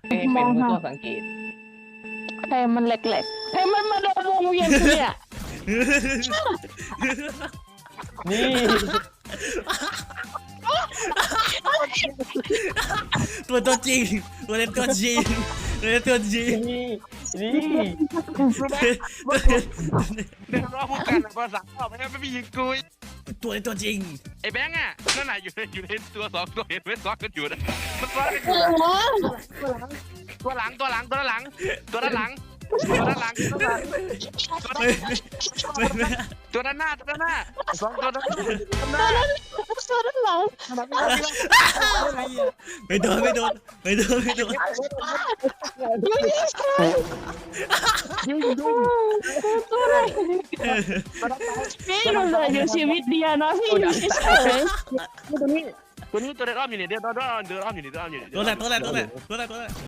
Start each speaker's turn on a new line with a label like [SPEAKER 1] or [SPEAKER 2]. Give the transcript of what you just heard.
[SPEAKER 1] เป็นผู้
[SPEAKER 2] มองหา
[SPEAKER 1] ตัวสังเกต
[SPEAKER 2] ใครมันแหลกๆใครมันมาเดินวงเวียนกูเนี่ย
[SPEAKER 1] นี่
[SPEAKER 3] ตัวจริงตัวเล่นตัวจริงตัวเล่นตัวจริง
[SPEAKER 1] นี่
[SPEAKER 4] รู้ไหมเดินรอบพวกกันภาษาไม่งั้นไม่มียิงกุย
[SPEAKER 3] ตัวเล่นตัวจริง
[SPEAKER 4] ไอ้แบงค์อ่ะนั่นน่ะอยู่ในตัวสองตัวเห็นไหมซ้อนกันอยู่นะมันซ้อนกันอยู่ตัวหลังตัวด้านหลังตัวด้านหน้าสองตัวด้านหน้า
[SPEAKER 2] ตัวด้านหลัง
[SPEAKER 3] ไม่โดน
[SPEAKER 2] ตัวอะไรพี่อยู่เลยอยู่ชีวิตเดียวนะพี่อยู่เฉย
[SPEAKER 4] ตัวนี้ตัวเดินอ้อมอยู่นี่เดินอ้อมอยู่นี่
[SPEAKER 3] ตัวแรก